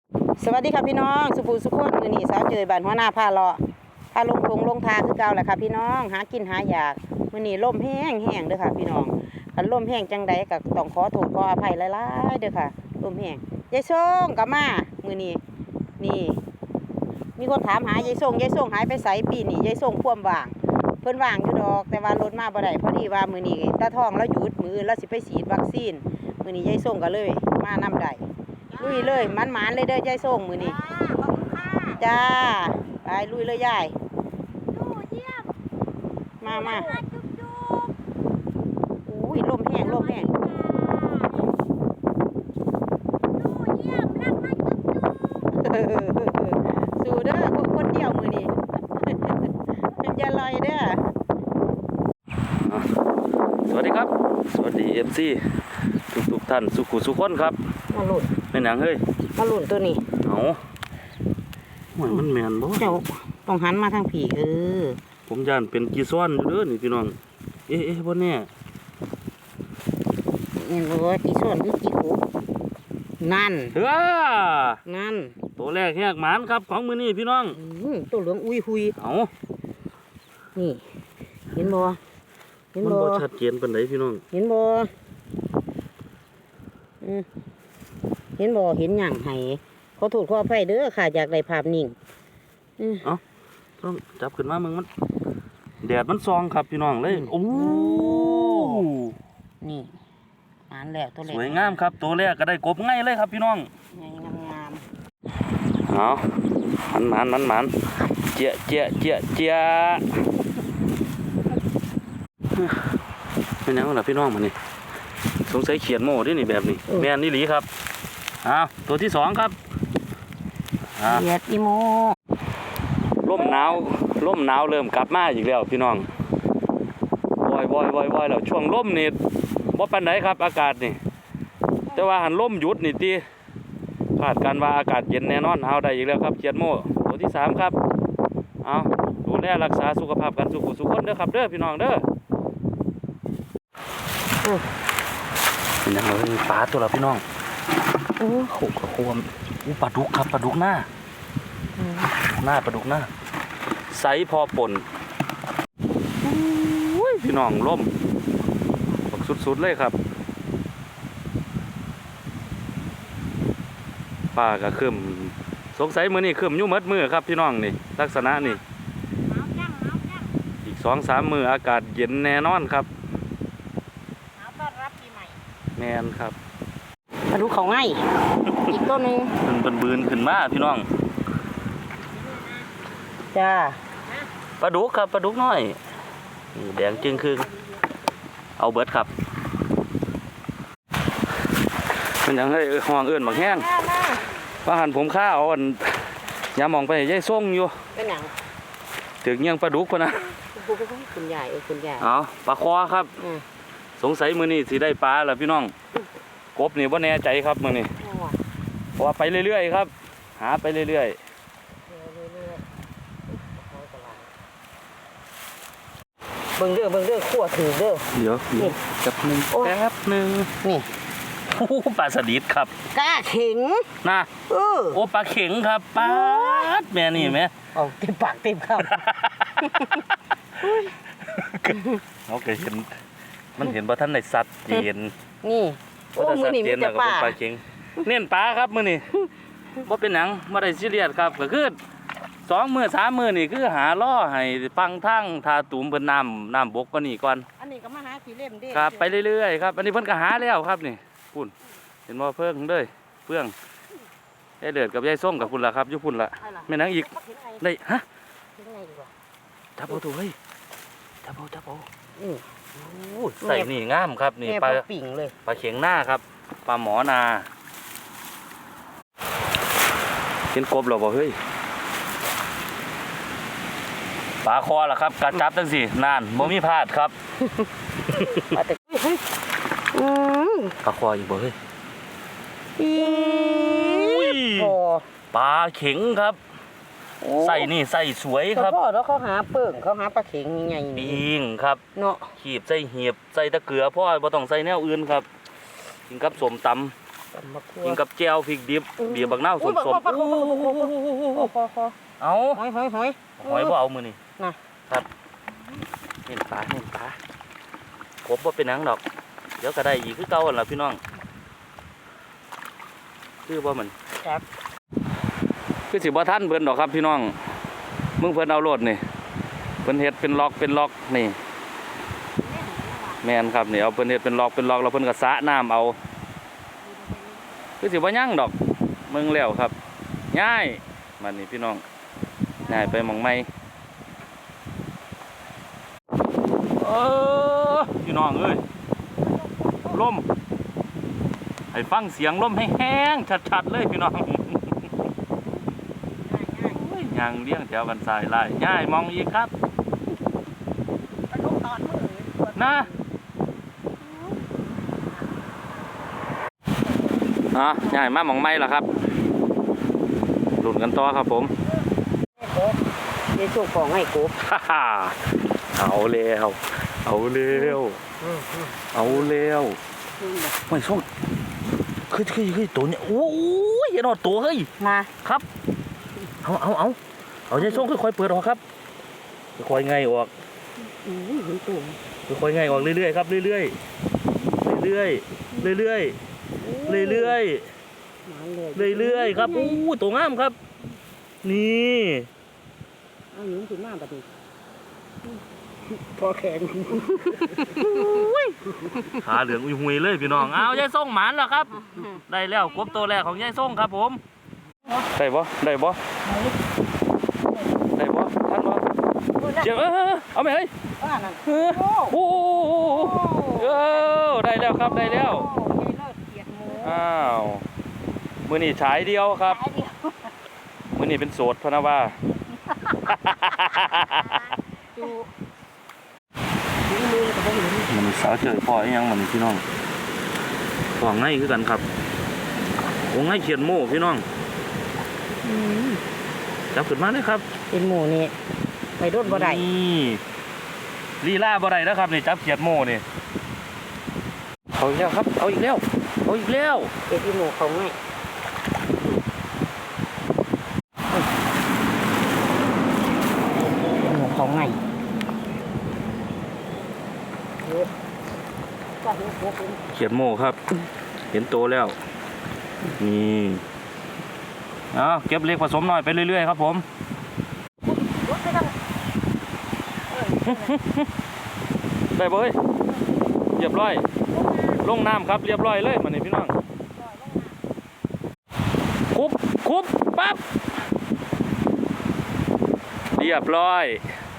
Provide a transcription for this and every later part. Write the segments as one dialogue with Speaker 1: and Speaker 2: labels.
Speaker 1: สวัสดีค่ะพี่น้องสุภูสุขคนมือนี่สาวเจยบ้านหัวหน้าพาเลาะพาลงทงลงทาคือเก่าแหละค่ะพี่น้องหากินหาอยากมือนี่ล่มแห้งเด้อค่ะพี่น้องคันล่มแห้งจังใดก็ต้องขอโทษขออภัยหลายๆเด้อค่ะล่มแห้งยายส่งกลับมามือนี่นี่มีคนถามหายายส่งหายไปไสปีนี้ยายส่งพ่วมว่างเพิ่นว่างอยู่ดอกแต่ว่ารถมาบ่ได้พอดีว่ามือนี่ตาทองแล้วหยุดมือแล้วสิไปฉีดวัคซีนมือนี่ยายส่งก็เลยมานำได้ลุยเลยมันเลยเด้อยายส่งมือนี่จ้าไปลุยเลยยายมาอุ้ยลมแห้งสู้เด้อคนเดียวมือนี่มันจะลอยเด้อ
Speaker 2: สวัสดีครับสวัสดีMC ทุกท่านสุขุสุขคนครับ
Speaker 1: มาหลุด
Speaker 2: เป็นหยังเฮ้ย
Speaker 1: มาหลุดตัวนี้
Speaker 2: เอาเหมือนมันแมนบ่
Speaker 1: เจ้าต้องหันมาทางผี
Speaker 2: ผมย่านเป็นกีซ้อนอยู่เด้อนี่พี่น้องเอ๊ะบ่แน่
Speaker 1: เนี่ยบ่กี่ส่วนคือกี่ขุนั่น
Speaker 2: ตัวแรกแหกหมานครับของมื้อนี้พี่น้อง
Speaker 1: ตัวเหลืองอุ้ยหุย
Speaker 2: เอา
Speaker 1: นี่เห็นบ่
Speaker 2: มันบ่ชัดเจนปานใดพี่น้อง
Speaker 1: เห็นบ่เห็นหยังให้ขอโทษขออภัยเด้อค่ะอยากได้ภาพนิ่ง
Speaker 2: เอาต้องจับขึ้นมามึงมันแดดมันซองครับพี่น้องเลยโอ้
Speaker 1: นี่อ่านแล้วตัวแรก
Speaker 2: สวยงามครับตัวแรกก็ได้กบง่ายเลยครับพี่น้อง
Speaker 1: ง่ายงาม
Speaker 2: เอามันเจี๊ยเป็นยังไงล่ะพี่น้องมันนี่สงสัยเขียนโม่ด้วยนี่แบบนี้แม่นนี่หลีครับตัวที่สองครับ
Speaker 1: เขียดอีโม
Speaker 2: ร่มหนาวเริ่มกลับมาอีกแล้วพี่น้องวอยแล้วช่วงร่มนี่บ่ปานไหนครับอากาศนี่แต่ว่าหันร่มหยุดนี่ตีคาดการว่าอากาศเย็นแน่นอนเอาได้อีกแล้วครับเขียดโม่ตัวที่สามครับดูแลรักษาสุขภาพกันสุขคนเด้อครับเด้อพี่น้องเด้อเป็นยังไงปลาตัวละพี่น้อง
Speaker 1: โอ้โห
Speaker 2: ควมปลาดุกครับปลาดุกหน้าไซส์พอป่นพี่น้องล่มสุดเลยครับปลากระขึ้นสงสัยมือนี่ขึ้นยุ่มัดมือครับพี่น้องนี่ลักษณะนี่อีก 2-3 มืออากาศเย็นแน่นอนครับแมนครับ
Speaker 1: มาดูเขาง่ายอีกต้นนึง
Speaker 2: เป็นบืนขึ้นมาพี่น้อง
Speaker 1: จ้า
Speaker 2: ปลาดุกครับปลาดุกน้อยแดงจึงคือเอาเบิร์ดครับเป็นอย่างไรห้องเอื่นบักแห้งว่าหันผมข้าเอาอย่ามองไปย่ายส่งอยู่
Speaker 1: เป็นอย่าง
Speaker 2: ถึงยังปลาดุกพนะ
Speaker 1: คุณใหญ่
Speaker 2: ปลาคอครับสงสัยมือนี่สิได้ปลาเหรอพี่น้องกบนี่ว่าแน่ใจครับมือนี่เพราะว่าไปเรื่อยๆครับหาไปเรื่อยๆ
Speaker 1: เบิ่งเด้อขั้วถือเด้อ
Speaker 2: เดี๋ยวแป๊บนึง
Speaker 1: นี่
Speaker 2: โอ้ปลาสลิดครับ
Speaker 1: กล้าเข็ง
Speaker 2: นะโอ้ปลาเข็งครับปลาแม่นี่แม่
Speaker 1: เอาเต็มปากเต็มคำ
Speaker 2: เขาเคยเห็นมันเห็นว่าท่านในสัตว์เย็น
Speaker 1: นี่โอ้มือนี่มีแต่ปลา
Speaker 2: เข็งเน้นปลาครับมือนี่ว่าเป็นหนังมาได้ซีเรียสครับก็คือ2 มื้อ 3 มื้อนี่คือหาล่อให้ฟังทั้งทาตุ่มเพิ่นน้ำบกก็นี่ก่อน
Speaker 1: อันนี้ก็มาหาขี้เล่มดิ
Speaker 2: ครับไปเรื่อยๆครับอันนี้เพิ่นก็หาแล้วครับนี่พุ่นเห็นบ่เพิ่งเด้อเพื่องยายเดือดกับยายส้มกับพุ่นล่ะครับอยู่พุ่นล่ะแม่นางอีกได้ฮะจับเอาตัวเฮ้ยจับเอาใส่นี่งามครับนี่ปลา
Speaker 1: ปิ่งเลย
Speaker 2: ปลาเข็งหน้าครับปลาหมอนาเห็นกบหรอบ่เฮ้ยปลาคอล่ะครับการจับตั้งสี่นานบ่มีพลาดครับปลาคออีกบ่เฮ้ยปลาเข็งครับใส่นี่ใส่สวยครับ
Speaker 1: พ่อแล้วเขาหาเปิ่งเขาหาปลาเข็งยังไง
Speaker 2: ปิงครับ
Speaker 1: เนาะ
Speaker 2: ขีบใส่เหียบใส่ตะเกียบพ่อบ่ต้องใส่แนวอื่นครับกินกับสมตำ
Speaker 1: ตำบักทั่ว
Speaker 2: กินกับแจ่วพริกดิบบีบบักนาวสม เอา
Speaker 1: หอย
Speaker 2: หอยบ่เอามือนี่
Speaker 1: น่ะ
Speaker 2: ครับเห็นปลากบบ่เป็นหนังดอก เดี๋ยวก็ได้อีกคือเก่าหั่นล่ะพี่น้องคือบ่มัน
Speaker 1: ครับ
Speaker 2: คือสิบ่ทันเพิ่นดอกครับพี่น้องมึงเพิ่นเอาโลดนี่เพิ่นเฮ็ดเป็นล็อกนี่แม่นครับนี่เอาเพิ่นเฮ็ดเป็นล็อกแล้วเพิ่นก็สระน้ำเอาคือสิบ่ยั่งดอกมึงแล้วครับง่ายมันนี่พี่น้องง่ายไปหม่องใหม่พี่น้องเอ้ยลมให้ฟังเสียงลมแห้งๆชัดๆเลยพี่น้องยางเลี้ยงแถวกันสายไล่ง่ายมองอีกครับนะง่ายมากมองไม่ล่ะครับหลุนกันต่อครับผม
Speaker 1: ในช่วงของให้กบ
Speaker 2: เอาแล้วไม่ส่งคือตัวเนี้ยโอ้ยอย่านอดตัวเฮ้ย
Speaker 1: มา
Speaker 2: ครับเอาใจส่งค่อยๆเปิดออกครับค่อยๆไงออก
Speaker 1: เห็นตัว
Speaker 2: ค่อยๆไงออกเรื่อยๆครับเรื่อยๆเรื่อยๆครับตัวงามครับนี่
Speaker 1: เอาหนุ่มขึ้นมาแบบนี้พอแขน
Speaker 2: ขาเหลืองหุยเลยพี่น้องเอายายส่งหมานแล้วครับได้แล้วกบตัวแรกของยายส่งครับผมได้บ่ท่านบ่เจ้าเอาไหมเฮ้ยโอ้ได้แล้วครับได้แล้วอ้าวมือนี่ฉายเดียวครับมือนี่เป็นโสดพะนะว่ามันสาวเจอพ่อยังมันพี่น้องของง่ายคือกันครับของง่ายเขียนโม่พี่น้องจับขึ้นมาเลยครับ
Speaker 1: เป็นหมูนี่ไปโดนบ่ได้
Speaker 2: นี่ลีลาบ่ได้แล้วครับนี่จับเขียนโม่นี่เอาอีกแล้วครับเอาอีกแล้ว
Speaker 1: เป็นหมูเขาไงหมูเขาไง
Speaker 2: เขียนโม่ครับเห็นโตแล้วนี่เอาเก็บเล็กผสมหน่อยไปเรื่อยๆครับผมได้บ่เฮ้ยเรียบร้อยลงน้ำครับเรียบร้อยเลยมานี่พี่น้องคุบปั๊บเรียบร้อย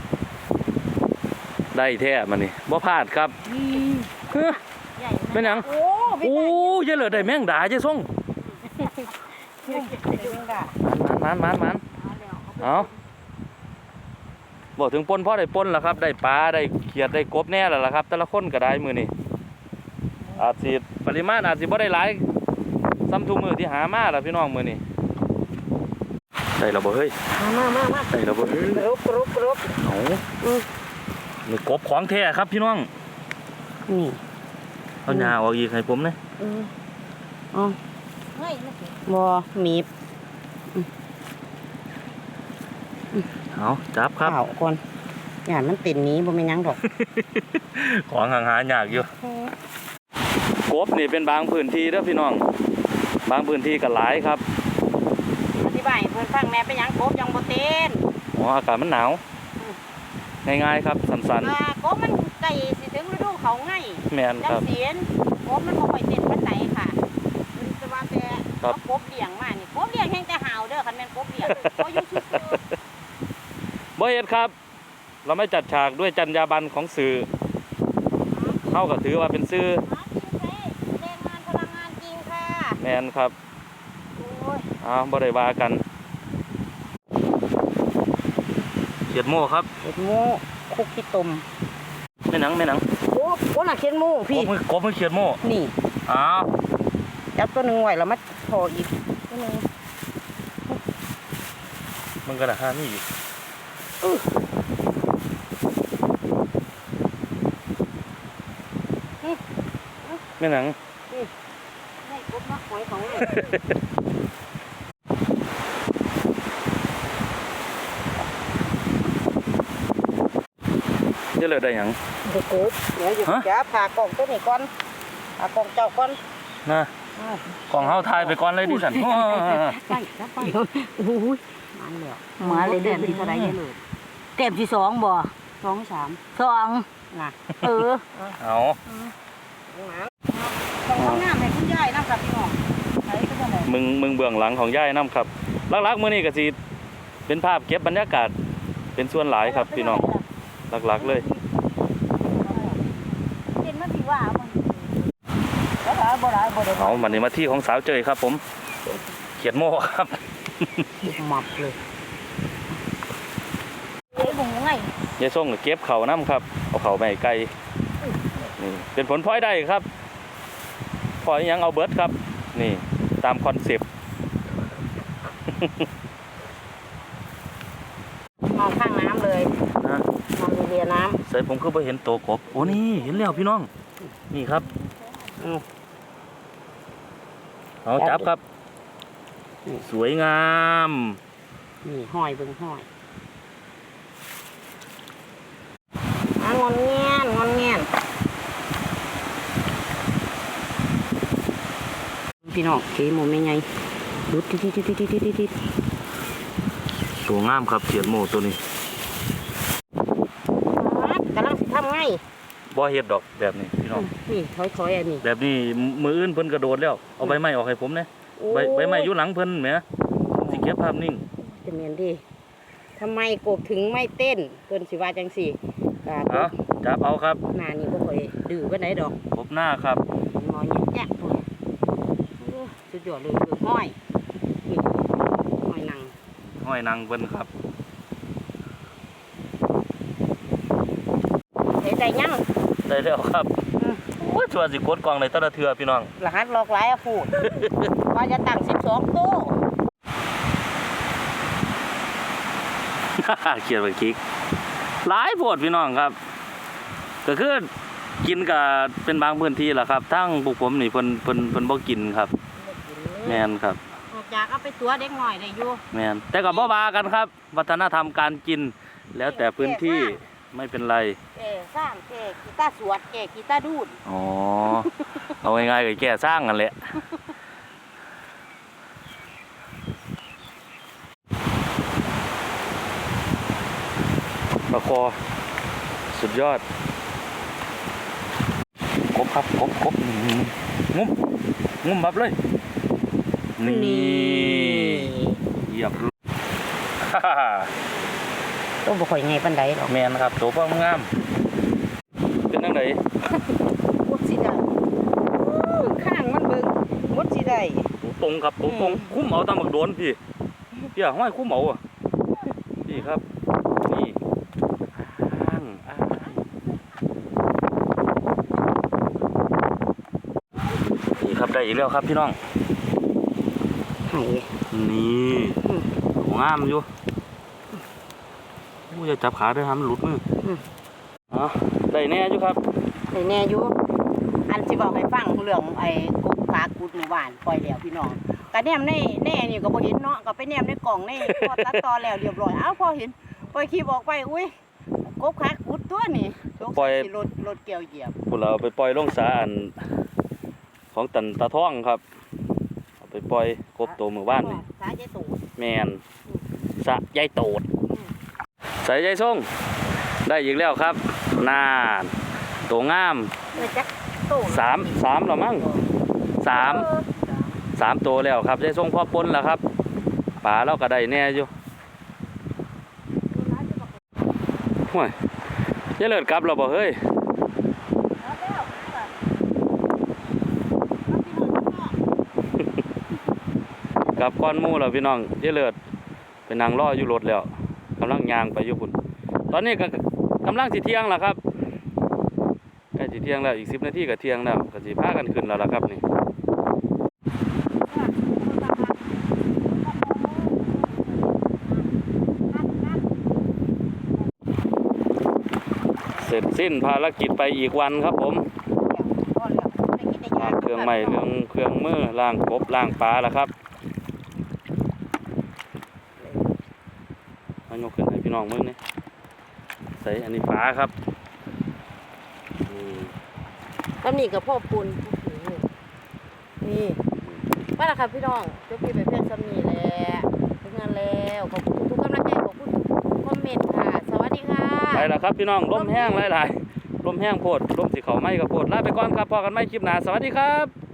Speaker 2: ได้แท้มานี่บ่พลาดครับเป็นหยังโอ้ยเหลือได้แมงดาเจ้ส่งมันเอาบอกถึงปนพ่อได้ปนแล้วครับได้ปลาได้เขียดได้กบแน่แล้วล่ะครับแต่ละคนก็ได้มือนี่อาจสิปริมาณอาจสิบ่ได้หลายซ้ำทุกมือที่หามาแล้วพี่น้องมือนี่ได้แล้วบ่เฮ้ย
Speaker 1: มา
Speaker 2: ได้แล้วบ่เฮ้ย
Speaker 1: กรุบ
Speaker 2: เอานี่กบของแท้ครับพี่น้อง
Speaker 1: นี่
Speaker 2: เอาหญ้าออกอีกให้ผมนะ
Speaker 1: อ๋อบ่หนีบ
Speaker 2: เอาจับครับ
Speaker 1: ก่อนอย่ามันติดนี้บ่แม่นหยังดอก
Speaker 2: ของหาหยากอยู่กบนี่เป็นบางพื้นที่เด้อพี่น้องบางพื้นที่ก็หลายครับ
Speaker 1: อธิบายเพิ่นฟังแม่เป็นหยังกบยังบ่เต้น
Speaker 2: อากาศมันหนาวง่ายๆครับสั้น
Speaker 1: ๆกบมันใกล้สิถึงฤดูเขาไง
Speaker 2: แม่นครับ
Speaker 1: จังเสียนกบมันบ่ค่อยเต้นปานใดค่ะมันจะว่าแต่กบเลี้ยงมานี่กบเลี้ยงแห่งแต่หาวเด้อคันแม่นกบเลี้ยงบ่อยู่ซื่อ
Speaker 2: บ่เฮ็ดครับเราไม่จัดฉากด้วยจรรยาบรรณของสื่อเท่ากับถือว่าเป็นสื่อ
Speaker 1: แรงงานพลังงานจริงค่ะ
Speaker 2: แม่นครับบ่ได้ว่ากันเขียดโม่ครับ
Speaker 1: เขียดโม่คุกขี้ตม
Speaker 2: แม่หนัง
Speaker 1: โอ้น่ะเขียดโม่พี่
Speaker 2: กบมันเขียดโม่
Speaker 1: นี่จับตัวนึงไว้แล้วมาพออีกตัวนึง
Speaker 2: มันก็น่ะหานี่อีกแม่หนัง
Speaker 1: หอยของเลย
Speaker 2: เยอะเลยได้หยัง
Speaker 1: เด็กกบเดี๋ยวอยู่จ้าผ่ากล่องตัวนี้ก่อนผ่ากล่องเจ้าก่อน
Speaker 2: นะกล่องเฮาทายไปก่อนเลยดิฉัน
Speaker 1: ไปครับไปโอ้ยมาเลยเดือนที่เท่าไรเนี่ยเลยเต็มที่2บ่2 3 2นะเอา ต้องน้ำให้คุณยายน้ำครับพี่น้องใช้ก็ได้
Speaker 2: มึงเบื้องหลังของย่ายน้ำครับลักๆมื้อนี้ก็สิเป็นภาพเก็บบรรยากาศเป็นส่วนหลายครับพี่น้องหลักๆเลย
Speaker 1: เป็นมาสิว่ามันบ่ได้
Speaker 2: เอามันนี่มาที่ของสาวเจยครับผมเขียดโม่ครับ
Speaker 1: หมับเลยเอ้ยบุ้งไง
Speaker 2: ยายส่งก็เก็บเข่าน้ำครับเอาเข่าไปให้ไก่นี่เป็นผลพลอยได้ครับพลอยยังเอาเบิร์ดครับนี่ตามคอนเซปต์
Speaker 1: มองข้างน้ำเลย
Speaker 2: นะ
Speaker 1: มองเรียน้
Speaker 2: ใส่ผมคือไปเห็นตัวกบโอ้นี่เห็นแล้วพี่น้องนี่ครับเอาจับครับสวยงาม
Speaker 1: ำนี่ห้อยเบิ่งห้อยงอนเงี้ยนพี่น้องเก๋หมูไม่ไงดูติด
Speaker 2: ตัวงามครับเขียดโม่ตัวนี้
Speaker 1: กำลังทำไง
Speaker 2: บ่เฮ็ดดอกแบบนี้พี่น้อง
Speaker 1: นี่ถอยอันนี้
Speaker 2: แบบนี้มืออื่นเพิ่นกระโดดแล้วเอาใบไม้ออกให้ผมนะใบไม้อยู่หลังเพิ่นแหมผมสิเก็บภาพนิ่ง
Speaker 1: จะเมียนดิทำไมกบถึงไม่เต้นเพิ่นสิว่าจังสี่
Speaker 2: เอาจับเอาครับ
Speaker 1: หน้านี่บ่ค่อยดื้อปานใดดอก
Speaker 2: กบหน้าครับ
Speaker 1: งอแยะๆพุ่นโอ้สุดยอดเลยคือห้อยนี่ห้อยนาง
Speaker 2: ห้อยนางเพิ่นครับ
Speaker 1: เฮ็ดได้ยัง
Speaker 2: ได้แล้วครับโอ้ยชวนสิกดกล่องในแต่ละเทื่อพี่น้อง
Speaker 1: รหัสหลอกหลายอะพูด ว่าจะตั้ง12ตู้
Speaker 2: เขียนเป็นคิกหลายโพดพี่น้องครับก็คือกินกับเป็นบางพื้นที่แหละครับทั้งพวกผมนี่เพิ่นบ่กินครับแม่นครับ
Speaker 1: ออกจากเอาไปตัวเด็กหน่อยได้อยู่
Speaker 2: แม่นแต่ก็บ่ว่ากันครับ วัฒนธรรมการกิน แล้วแต่พื้นที่ไม่เป็นไร
Speaker 1: สร้างกีตาร์สวดกีตาร์ดูด
Speaker 2: อ๋อ เอาง่ายๆก็แก้สร้างกันแหละปลาคอสุดยอดกบครับกบงุ้มบับเลย นี่เหยียบ
Speaker 1: ต้องบ่ค่อยไงปานใดหรอก
Speaker 2: แมนครับตัวพ่องาม เป็นจังได
Speaker 1: มดสิได้ข้างมันเบิ่งมดสิได้
Speaker 2: ตัวตรงครับตัวตรงคุ้มเอาตามบักโดนพี่ห้อยคุ้มเอาอ่ะพี่ครับนี่อ้างนี่ครับได้อีกแล้วครับพี่น้อง
Speaker 1: ไห้
Speaker 2: นี่ตัวงามอยู่อย่าจับขาด้วยครับมันหลุดมืออ๋อได้แน่อยู่ครับ
Speaker 1: ได้แน่อยู่อันสิบอกให้ฟังเรื่องไอ้กบขากุดหมู่บ้านปล่อยแล้วพี่น้องก็แนมในอันนี้ก็บ่เห็นเนาะก็ไปแนมในกล่องในพอตัดต่อแล้วเรียบร้อยเอ้าพอเห็นปล่อยคลิปออกไปอุ้ยกบขากุดตัวนี่ปล่อยรถเกี่ยวเหยียบ
Speaker 2: พวกเราไปปล่อยลงสาอันของตันตาท่องครับเอาไปปล่อยกบตัวหมู่บ้านนี่
Speaker 1: สายใจตูด
Speaker 2: แมนสะยายโตดใส่ยายส่งได้อีกแล้วครับนานตัวงาม
Speaker 1: จักตูด
Speaker 2: สามหรอมั้งสามตัวแล้วครับยายส่งพ่อปนแล้วครับป่าเราก็ได้แน่อยู่ห่วยยายเลิศกลับเราบ่เฮ้ยกลับก้อนหมู่แล้วพี่น้องยายเลิศไปนั่งรออยู่รถแล้วกำลังย่างไปอยู่พุ่นตอนนี้ก็กำลังสิเที่ยงแล้วครับใกล้สิเที่ยงแล้วอีก10 นาทีก็เที่ยงแล้วก็สิพากันขึ้นแล้วล่ะครับนี่เสร็จสิ้นภารกิจไปอีกวันครับผม
Speaker 1: พอแล้วได้กินได้ยา
Speaker 2: ขึ้นเครื่องไม้เรื่องเครื่องมือล้างกบล้างปลาล่ะครับมายกขึ้นให้พี่น้องเบิ่งนี่ใส่อันนี้ปลาครับนี่
Speaker 1: ตำหนิกับพ่อปุนนี่ว่าล่ะครับพี่น้องเจ้าพี่ไปเพียงตำหนิแหละถึงงานแล้วขอบคุณทุกกำลังใจขอบคุณคอมเมนต์ค่ะสวัสดีค่ะ
Speaker 2: ไปแล้วครับพี่น้องลมแห้งหลายๆลมแห้งโพดลมสิเขาไหม้กับโพดลาไปก่อนครับพอกันไหมคลิปหน้าสวัสดีครับ